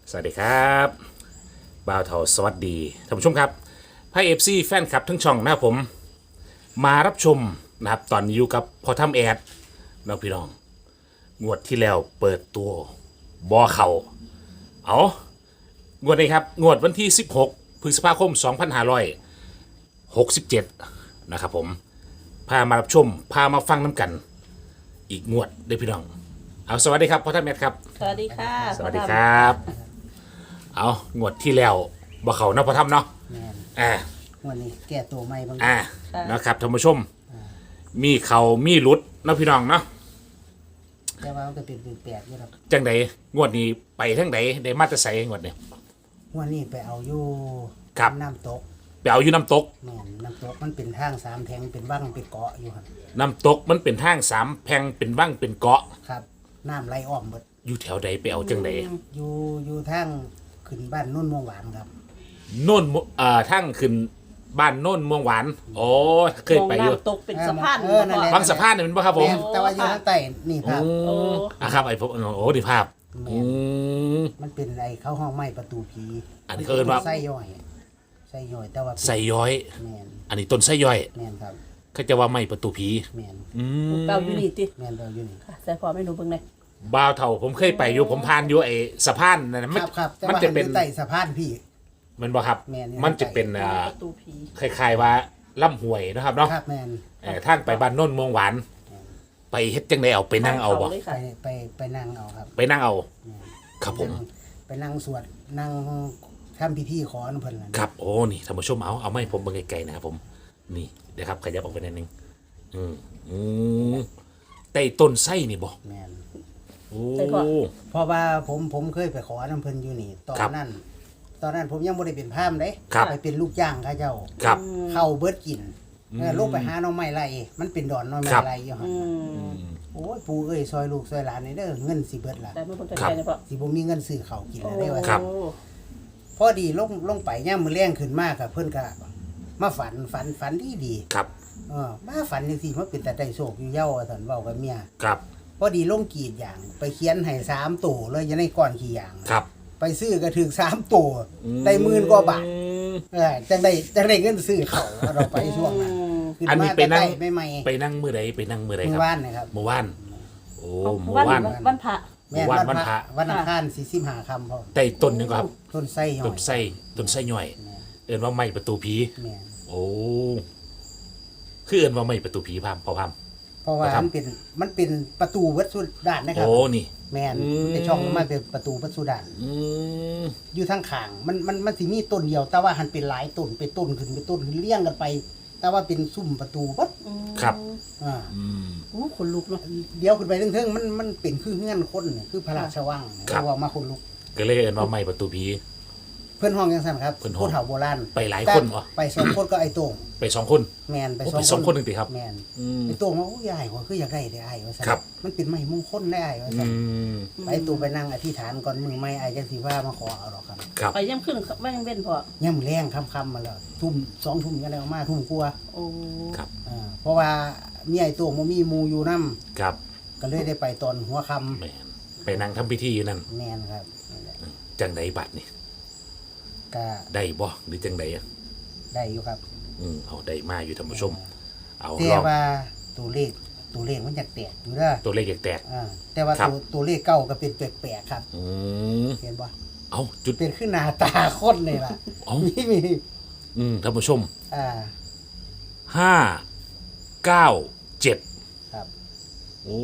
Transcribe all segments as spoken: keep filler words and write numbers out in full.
สวัสดีครับบ่าวเถาสวัสดีท่านผู้ชมครับไพ่เอฟซีแฟนคลับทั้งช่องนะครับผมมารับชมนะครับตอนนี้อยู่กับพอทำแอดน้องพี่น้องงวดที่แล้วเปิดตัวบอเขาเอางวดนี้ครับงวดวันที่สิบหกพฤษภาคมสองพันห้าร้อยหกสิบเจ็ดนะครับผมพามารับชมพามาฟังน้ำกันอีกงวดเด้อพี่น้องเอาสวัสดีครับพอทำแอดครับสวัสดีค่ะสวัสดีครับ เอางวดที่แล้วบ่เขาเนาะพอทำเนาะแม่นอ่าวันนี้แก้ตัวใหม่บางอ่านะครับท่านผู้ชม มีเขามีหลุดเนาะพี่น้องเนาะแต่ว่ามันก็เป็นเป็นแปดอยู่ครับจังใดงวดนี้ไปทั้งใดได้มาแตรใส่งวดนี้วันนี้ไปเอาอยู่ครับน้ำตกไปเอาอยู่น้ำตกแม่นน้ำตกมันเป็นทางสามแทงเป็นว่างเป็นเกาะอยู่ครับน้ำตกมันเป็นทางสามแพร่งเป็นว่างเป็นเกาะครับน้ำไหลอ้อมหมดอยู่แถวใดไปเอาจังใดอยู่อยู่ทางขึ้นบ้านนุ่นม่วงหวานครับโน่นมุเอ่อทางขึ้นบ้านโน่นเมืองหวานโอ้เคยไปอยู่มงน้ำตกเป็นสะพานเออนั่นแหละบางสะพานนี่เป็นป่ะครับผมแม่นแต่ว่าอยู่ทางใต้นี่ภาพโอ้อ่ะครับไอ้ผมโอ้ดีภาพแม่อืนมมันเป็นไอ้เข้าห้องไม้ประตูผีอันนี้เขาเอิ้นว่าไส้ย่อยไส้ย่อยแต่ว่าเป็นใส่ย้อยแม่นอันนี้ต้นไส้ย่อยแม่นครับเขาจะว่าไม่ประตูผีแม่นอืมเปล่าอยู่นี่ติแม่นเราอยู่นี่ค่ะใส่พอไม่รู้เบิ่งเลยบ้าวเท่าผมเคยไปอยู่ผมผ่านอยู่ไอ้สะพานนั่นนะคมันรับครับแต่มันว่าจะหันอเป็นยู่ใต้สะพานพี่มันบ่ครับแม่นอยู่มันจะเป็นอ่าประตูผีคล้ายๆว่าล่ำหวยนะครับเนาะครับแม่นเอ่อทางไปบ้านโน่นเมืองหวาน ไปเฮ็ดจังไดเอาไปนั่งเอาบ่เลยไปค่ะไปไปนั่งเอาครับไปนั่งเอาครับผมไปนั่งสวดนั่งทำพิธีขออนำเพิ่นนั่นครับโอ้นี่ท่านผู้ชมเอาเอาไม่ผมเบิ่งไกลๆนะครับผมนี่เดี๋ยวครับขยับออกไปนิดนึงอืมอืมใต้ต้นไส้นี่บ่แม่นโอ้เพราะว่าผมผมเคยไปขอน้ำเพิ่นอยู่นี่ตอนครับนั้น ตอนนั้นผมยังบ่ได้เป็นพราหมณ์เด้ครับไปเป็นลูกจ้างเขาเจ้าครับเข้าเบิดกินเออลงไปหาหน่อไม้ไร่มันเป็นดอนหน่อไม้ครับไร่อยู่หั่นอืมโอ้ยปู่เอ้ยซอยลูกซอยหลานนี่เด้อเงินสิเบิดล่ะแต่ไม่เบิ่งครับไกลๆเนี่ยพ่อสิบ่มีเงินซื้อข้าวกินแล้วได้ว่าครับโอ้พอดีลงลงไปย่ามมื้อแรงขึ้นมากครับเพิ่นก็มาฝันฝันฝันดีดีครับๆเออมาฝันจังซี่มันเป็นแต่ได้โชคอยู่เย้าว่าซั่นเว้ากับเมียครับพอดีลงกรีดอย่างไปเขียนให้สามตัวเลยอยังในก้อนขี้ยางครับไปซื้อก็ถึงสามตัวได้หมื่นกว่าบาทเออจังได้จังได้เงินซื้อเขาวเราไปช่วงนั้นขึ้อันนี้ไปนั่งไม่ไม่ไปนั่งมือใดไปนั่งมือใดเมื่คอรับวานนะครับเมื่อวานโอ้เอาเมื่อวันวานวันพระแม่นวันวันวันพพระระวันอังคารสี่สิบห้าคำพอใต้ต้นนึงครับต้นไส้หน่อต้นยไส้ต้นไส้ย่อย เอิ้นว่าไม้ประตูผีแม่นโอ้คือเอิ้นว่าไม้ประตูผีพามพอพามเพราะว่าครับมันเป็นมันเป็นประตูวัดสุดานนะครับโอ้นี่แม่นอืมในช่องมันเป็นประตูวัดสุดานอืมอยู่ทางข้างมันมันมันสิมีต้นเดียว แต่ว่าหันเป็นหลายต้นเป็นต้นขึ้นเป็นต้นขึ้นเลี้ยงกันไป แต่ว่าเป็นซุ้มประตูวัดอืมครับอ่าอืมโอ้คนลุกเนาะเดี๋ยวขึ้นไปเทิงๆมันมันเป็นคือเงื่อนคนเนี่ยคือพระราชวังเนี่ยครับเรียกว่ามาคนลุกก็เลยเอิ้นว่าไม้ประตูผีเพื่อนห้องยังสั่นครับเพิ่นห้องผู้เฒ่าโบราณไปหลายคนเหรอไปสองคนก็ไอ้โต่งไปสองคนแมนไปโอ้สองไปสองคนหนึ่งติครับแมนอืมไอ้โต่งว่าโอ้ยายว่าคืออยากได้ได้ไอ้ว่าสั่นครับมันเป็นไม้มงคลได้ไอ้ว่าอืสั่นมไปตู่ไปนั่งอธิษฐานก่อนมือไม้ไอ้จังสีว่ามาขอเอาหรอกครับครับไปย่ำขึ้นไม่ยังเว้นพ่อย่ำแรงค่ำๆมาแล้วทุ่มสองทุ่มยังไงออกมาทุ่มกลัวาโอ้ครับอ่าเพราะว่ามีไอ้โต่งมันมีหมูอยู่น้ครับำก็เลยได้ไปตอนหัวค่แม่นไปนั่งทำพิธีอยู่นั่นำแมนครับนั่นแหละจังใดบัตรนี่ก็ได้บ่หรือจังใดอะได้อยู่ครับอืมเอาได้มาอยู่ท่านผู้ชม เอาแต่ลองว่าตัวเลขตัวเลขมันอยากแตกอยู่เด้อตัวเลขแตกอ่าแต่ว่าครับตัวตัวเลขเก้าก็เป็นแปลกๆครับๆอืมเห็นปะเอาจุดเป็นขึ้นหน้าตาคนเลยล่ะเอามีมีอืมท่านผู้ชมอ่าห้าเก้าเจ็ดครับโอ้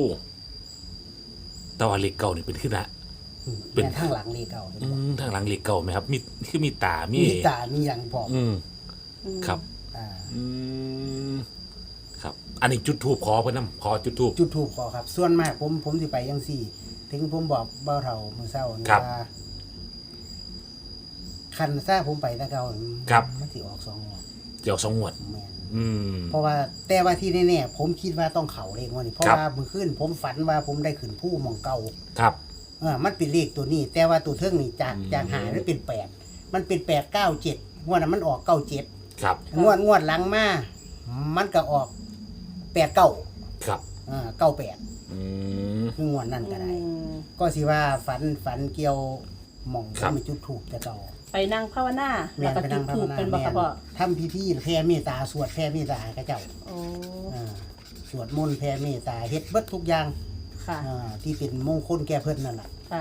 แตว่าเลขเก่านี่เป็นขึ้นละ เป็เป็น นข้างหลังเลขเก้าเห็นอืปะมทางหลังเลขเก่าไหมครับ มีคือมีตา มีมีตามีอย่างพร้อมอืมครับอ่าอืมครับ อันนี้จุดทูบขอเพื่อนนำขอจุดทูบจุดถูกขอครับ ส่วนมากผมผมสิไปยังสี่ ถึงผมบอกเบ้าเท่ามือเศร้านี่ครับว่าคันซ่าผมไปแตะเก่าครับมันสิออกสองงวดเดี๋ยวสองงวดแม่นอืมเพราะว่าแต่ว่าที่แน่ๆผมคิดว่าต้องเข่าเลขงวดนี้เพราะครับว่าเมื่อคืนผมฝันว่าผมได้ขึ้นผู้หมองเก่าครับเออมันเป็นเลขตัวนี้ แต่ว่าตัวเทิงนี่จากอืมจากหามันเป็นแปดมันเป็นแปดเก้าเจ็ดงวดนั้นมันออกเก้าเจ็ดครับงวดงวดหลังมามันก็ออกแปดเก้าครับอ่าเก้าแปดอืมคืองวดนั่นก็ได้อืมก็สิว่าฝันฝันเกี่ยวหม่องครับมีจุดถูกแต่เก่าไปนั่งภาวนาแม่แล้วนก็ไปจุนั่ดงภาธูวปนาเป็นบ่แม่ค่ะนพ่อทำพิธีแผ่เมตตาสวดแผ่เมตตาให้กับเจ้าโอ้อ่าสวดมนต์แผ่เมตตาเฮ็ดเบิดทุกอย่างค่ะอ่าที่เป็นมงคลแก่เพิ่นนั่นล่ะค่ะ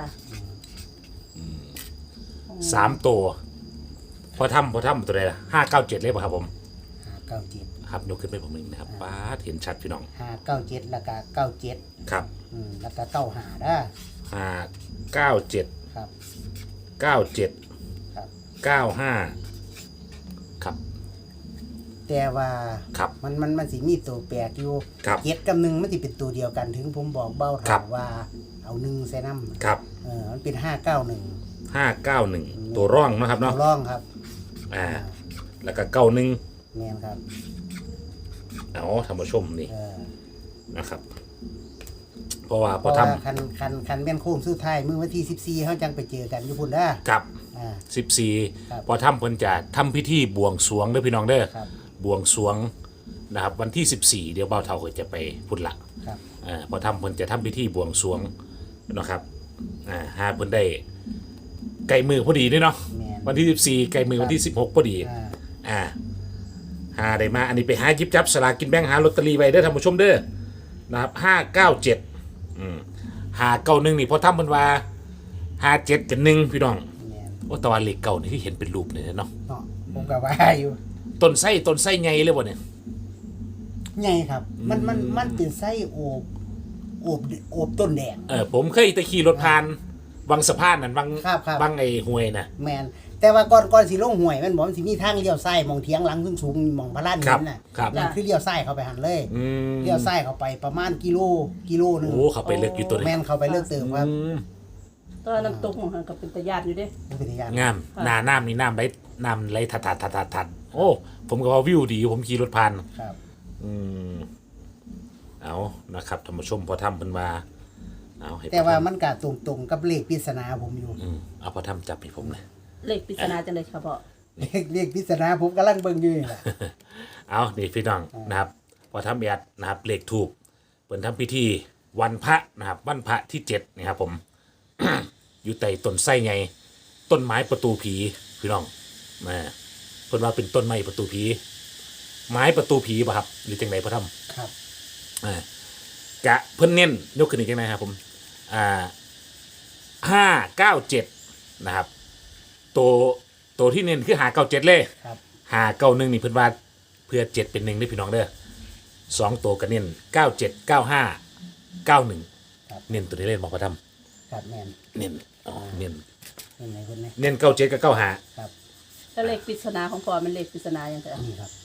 สามตัวพอทำพอทำตัวใดล่ะห้าเก้าเจ็ดเลยป่ะครับผมห้าเก้าเจ็ดครับยกขึ้นไปผมหนึ่งนะครับป้าดเห็นชัดพี่น้องห้าเก้าเจ็ดแล้วก็เก้าเจ็ดครับอืมแล้วก็เก้าห้าด้าห้าเก้าเจ็ดครับเก้าเจ็ดครับเก้าห้าครับแต่ว่าครับมันมันมันสิมีตัวแปลกอยู่ครับเจ็ดกับหนึ่งมันสิเป็นตัวเดียวกันถึงผมบอกเบ้าครัถาบมว่าเอาหนึ่งใส่น้ำครับเออมันเป็นห้าเก้าหนึ่งห้าเก้าหนึ่งตัวร่องเนาะครับตัวเนาะร่องครับอ่าแล้วก็เก้าหนึ่งแมนครับเอาท่านผู้ชมนี่เออนะครับ เพราะว่าเพพอราะทว่าคันคันคันแม่นโค้งสุดท้ายมื้อวันที่สิบสี่เขาจังไปเจอกันอยู่พุ่นเด้อำกับอ่าสิบสี่ครับพอทำเพิ่นจะทำพิธีบวงสรวงเด้อพี่น้องเด้อครับบวงสรวงนะครับ วันที่สิบสี่เดี๋ยวเบ้าเท่าก็จะไปพุ่นละครับอ่าพอทำเพิ่นจะทำพิธีบวงสรวงนะครับอ่าหาเพิ่นได้ไก่มือพอดีด้วยเนาะแมนวันที่สิบสี่ไก่มือวันที่สิบหกพอดีอ่าอ่าหาได้มาอันนี้ไปหาหยิบจับสลากกินแบ่งหาลอตเตอรี่ไว้เด้อท่านผู้ชมเด้อนะครับห้าเก้าเจ็ดอืมหาเก้าหนึ่งนี่พอทำเพิ่นว่าห้าเจ็ดกับหนึ่งพี่น้องแมนโอ้แตะวันเลขเก่านี่ที่เห็นเป็นรูปเนี่ยเนาะเนาะผมก็ว่าอยู่ต้นไส้ต้นไส้ไงเลยบ่เนี่ยไงครับ มันมันมันเป็นไส้โอบโอบโอบต้นแดงเออผมเคยตะขี่รถผ่านวังสะพานนั่นวังครับครับวังไอ้ห้วยน่ะแมนแต่ว่าก่อนก่อนสิลงห้วยมันบอกมันสิมีทางเลี้ยวซ้ายมองเทียงหลังสูงๆมองพระลานครัหิบนน่ะครับนั่นคือเลี้ยวซ้ายเข้าไปหันเลยอืมเลี้ยวซ้ายเข้าไปประมาณกิโลกิโลหนึงโอ้เขาไปเลือกอยู่ตัวนี้แม่นเข้าไปเลือกเติมครับอืมตอนน้ำตกของหันก็เป็นตะญาติอยู่เด้มันเป็นอย่างงามหน้าน้ำนี่น้ำไหลน้ำไหลทัดทัดทัดทัดทัดโอ้ผมก็ว่าวิวดีผมขี่รถผ่านครับอืมเอานะครับท่านผู้ชมพอทำเป็นว่าเอาให้แต่ว่าพอทำมันก็ตรงๆกับเลขปริศนาผมอยู่อืมเอาพอทำจับให้ผมเลยเลขปริศนาจังเลยค่ะพ่อเลขเลขปริศนาผมกำลังเบิ่งอยู่นี่แหละเอานี่พี่น้องนะครับ พอทำแอดนะครับเลขถูกเปิดทำพิธีวันพระนะครับวันพระที่เจ็ดนะครับผม อยู่ใต้ต้นไส้ไงต้นไม้ประตูผีพี่น้องนะเพิ่นว่าเป็นต้นไม้ประตูผีไม้ประตูผีป่ะครับหรือจังไหนพอทำครับอ่ากะเพิ่นเน้นยกขึ้นอีกจังไหนครับผมอ่าห้าเก้าเจ็ดนะครับตัวตัวที่เน้นคือหาเก้าเจ็ดเลยครับหาเก้าหนึ่งนี่เพิ่นว่าเพื่อเจ็ดเป็นหนึ่งได้อพี่น้องเด้อสองตัวกันเน้นเก้าเจ็ดเก้าห้าเก้าหนึ่งครับเน้นตัวนี้เล่นบอกพระธรรมครับแม่นเน้นอ๋อเน้นยังไงคนนี้เน้นเก้าเจ็ดกับเก้าห้าครับแล้วเลขปริศนาของพ่อมันเลขปริศนาอย่างไรนี่ครับ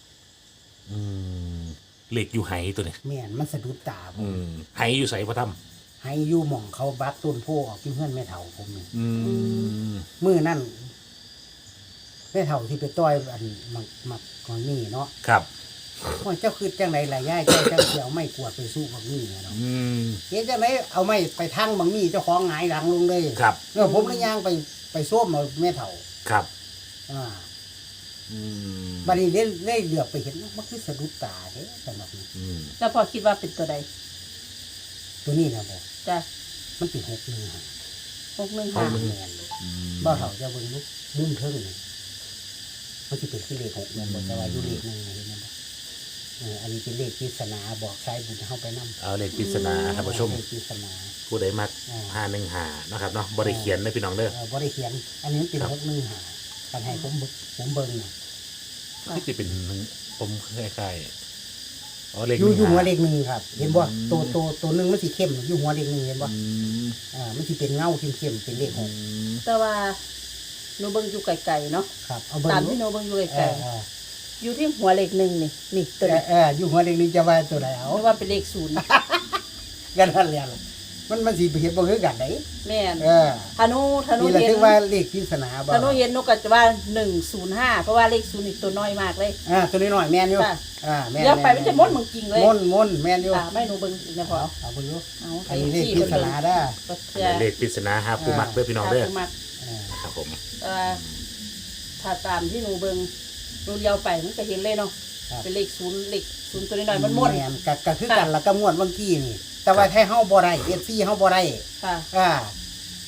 เหล็กอยู่ไหตัวนี้แม่นมันสะดุดตาผมอืมไหอยู่ใส่พระธรรมให้อยู่หม่องเขาบักต้นโพออกที่เพื่อนแม่เฒ่าผมนี่อืมมื้อนั่นแม่เฒ่าที่ไปต้อยอันหมักหมักของนี่เนาะครับว่าเจ้าคือจังไดล่ะยายเจ้าจังสิเอาไม้กวาดไปสู้บักนี่เนาะอืมเฮ็ดจังไดเอาไม้ไปทั้งบักนี่เจ้าของหงายหลังลงเลยครับเออผมเลยย่างไปไปส้มเอาแม่เฒ่าครับอ่าอืมบัดนี้ได้ได้เหลือบไปเห็นมันคือสะดุดตาเด้สำหรับนี้อืมแล้วพ่อคิดว่าเป็นตัวใดตัวนี้นะบ่จ้ะมันเป็นหกหนึ่งหาหกหนึ่งห้าห้าแม่นเลยบ่าวเฒ่าจะเบิ่งลูกมุมเทิงนี่มันสิเป็นคือเลขหกแม่นบ่แต่ว่าอยู่เลขหนึ่งนะเห็นบ่เอออันนี้เป็นเลขปริศนาบอกสายบุญให้เฮาไปนำเอาเหล็กปริศนาท่านผู้ชมเลขปริศนาผู้ใดมักอ่าหาหนึ่งหานะครับเนาะบริเขียนนะพี่น้องเด้อเออบ่ได้เขียน อันนี้มันเป็นหกหนึ่งหากันให้ผมเบิ่งผมเบิ่งน่ะที่จะเป็นหนึ่งผมคล้ายๆอ๋อเหล็กอยู่อยู่หัวหเลนึ่งขหนึ่งครับ เห็นบ่ตัวตัวตัวหนึงมันสิเข้มอยู่หัวเลขหนึ่งเห็นบ่อืมอ่ามันสิเป็นเงาเข้มๆเป็นเลขหกแต่ว่าหนูเบิ่งอยู่ไกลๆเนาะครับเอาเบิ่งตามดูที่หนูเบิ่งอยู่เอไกลอเออๆอยู่ที่หัวเลขหนึ่งนี่นี่ตัวเอนี้อเอออยู่หัวเลขหนึ่งจะว่าตัวไหนเอาไม่ว่าเป็นเลขศูนย์กันนั่นแหละล่ะมันมันสิไปเห็นบ่คือกันได้แม่นเออถ้าหนูถ้าหนูนี่แหละเห็นถึงว่าเลขปริศนาบ่ถ้าหนูเห็นหนูก็จะว่าหนึ่งศูนย์ห้าเพราะว่าเลขศูนย์นี่ตัวน้อยมากเลยอ่าตัวน้อยๆแม่นอยู่ค่ะอ่าแม่นเดี๋ยวไปมันจะม้วนมึงจริงเลยม่นม่นแม่นอยู่ค่ะไม่หนูเบิ่งอีกนะพ่อเอาเอาเบิ่งอยู่เอาอันนี้เลขปริศนาเด้อก็อันจะนี้เลขปริศนาหาผู้มักเด้อพี่น้องเด้อตามมาเออครับผมเอ่อถ้าตามที่หนูเบิ่งหนูเลี้ยวไปมันก็เห็นเลยเนาะเป็นเลขศูนย์เลขศูนย์ตัวน้อยๆมันม้วนแม่นก็ก็คือกันแล้วก็ม่วนเมื่อกี้นี่ แต่ว่าถ้าเฮาบ่ได้ เอฟ ซี เฮาบ่ได้ค่ะอ่า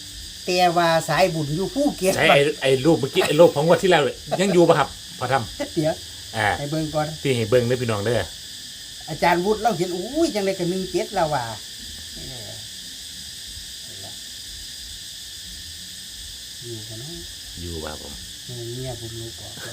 แต่ว่าสายบุญอยู่ภูเก็ตใช้ไอ้ไอ้รูปเมื่อกี้ไอ้รูปของงวันที่แล้วเลยยังอยู่ป่ะครับพอทเดี๋ยวำอ่าให้เบิ่งก่อนที่ให้เบิ่งเด้อพี่น้องเด้ออาจารย์วุฒิเราเห็นอุ้ยจังได๋ก็หนึ่งเจ็ดแล้วว่าเออเอาล่ะอยู่กันเนาะอยู่ป่ะผมเออเมียผมลูกออก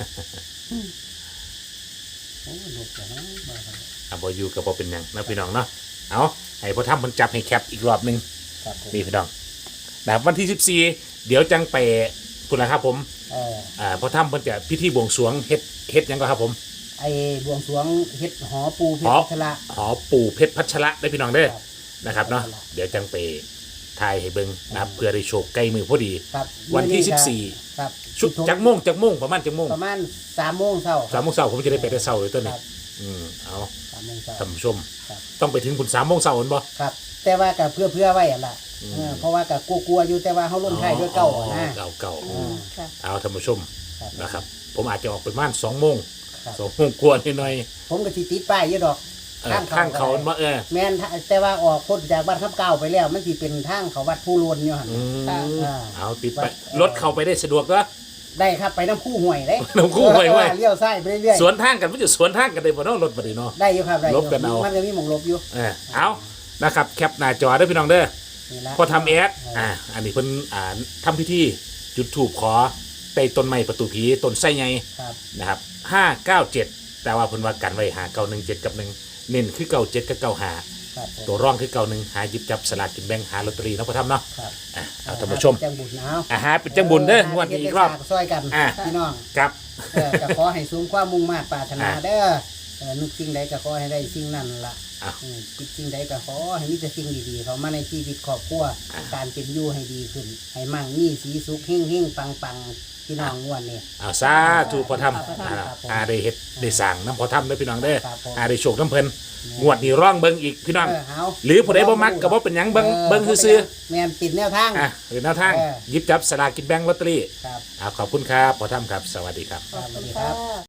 โอ้ลูกกันเนาะบ้ากันอ่ะบ่อยู่กับบ่เป็นหยังนะพี่น้องเนาะเอาให้พอทำมันจับให้แคปอีกรอบหนึงครับผมนี่พี่น้องแบบวันที่สิบสี่เดี๋ยวจังไปคุณนะครับผมเอออ่าพอทำเพิ่นจะพิธีบวงสรวงเฮ็ดเฮ็ดหยังก็ครับผมไอ้บวงสรวงเฮ็ดหอปูเพชหอรชละหอปู่เพชรพัชระได้พี่น้องเด้อครับนะครับเนาะพัชระเดี๋ยวจังไปทายให้เบิ่งนะครับเพื่อได้โชคใกล้มือพอดีครับวันที่มื้อสิบก็สี่ครับชุดจักโมงจักโมงประมาณจักโมงประมาณสามโมงเช้าสามโมงเช้าผมจะได้ไปแต่เช้าเลยตัวคนี้รับอืมเอาสามโมงเช้าท่านผู้ชมครับต้องไปถึงคุณสามโมงเช้าเห็นบ่ครับ แต่ว่าก็เพื่อเพื่อไว้อะล่ะอืมเออเพราะว่าก็กลัวๆอยู่แต่ว่าเฮาลงท้ายด้วยเก้าอะนะเก่าเก่าอืมค่ะเอาท่านผู้ชมครับนะครับ ผมอาจจะออกไปประมาณสองโมงครับสองโมงกว่านิดหน่อยผมก็สิติดป้ายอยู่ดอกเออข้างเขาก็ได้มาเออแม่นถ้าแต่ว่าออกพ้นจากวัดทับเก้าไปแล้ว มันสิเป็นทางเขาวัดผู้ลวนอยู่หั่นอืมอ่าเอาติดไปวัดรถเข้าไปได้สะดวกก็ได้ครับไปน้ำคู่ห่วยได้น้ำคู่ห่วยเว้ยเออเลี้ยวซ้ายไปเรื่อยสวนทางกันไม่จะสวนทางกันได้บ่เนาะรถบัดนี้เนาะๆได้อยู่ครับได้อยู่ลบกันเอามันก็มีหม่องลบอยู่เออเอานะครับแคปหน้าจอเด้อพี่น้องเด้อนี่ละพอทำแอดอ่าอันนี้เพิ่นอ่าทำพิธีจุดธูปขอใต้ต้นไม้ประตูผีต้นไส้ใหญ่ครับนะครับห้าเก้าเจ็ดแต่ว่าเพิ่นว่ากันไว้หาเก้าหนึ่งเจ็ดกับหนึ่งเน้นคือเก้าเจ็ดกับเก้าหาครับผมตัวร่องคือเก้าหนึ่งหาหยิบจับสลากกินแบ่งหาลอตเตอรี่เนาะพ่อทำเนาะครับอ่ะเอาท่านผู้ชมจังบุญเอาอาหารเป็นจังบุญเด้องวดนี้อีกรอบเฮ็ดได้ฝากซอยกันอ่ะพี่น้องครับเออก็ขอให้สูงความมุ่งมา่ปรารถนาอ่ะเด้อเออนึกสิ่งใดก็ขอให้ได้สิ่งนั้นล่ะอ่ะอืมคิดสิ่งใดก็ขอให้มีแต่สิ่งดีๆเข้ามาในชีวิตครอบครัวอ่ะการเป็นอยู่ให้ดีขึ้น ให้มั่งมีสีสุขเฮงๆปังๆพี่น้องงวดนี้เอาซาถูกพ่อทำครับอ่าผมอาได้เฮ็ดได้สั่งน้ำพ่อทำเด้อพี่น้องเด้อครับผมอาได้โชคน้ำเพิ่นงวดนี้ร่องเบิ่งอีกพี่น้องเออเอาหรือผู้ใดบ่มักก็บ่เป็นหยังเบิ่งเบิ่งซื่อแม่นปิดแนวทางๆอ่ะหรือแนวทางเออหยิบจับสลากกินแบ่งลอตเตอรี่ครับอ่าขอบคุณครับพ่อทำครับ สวัสดีครับขอบสวัคุสณดีครัค่ะบ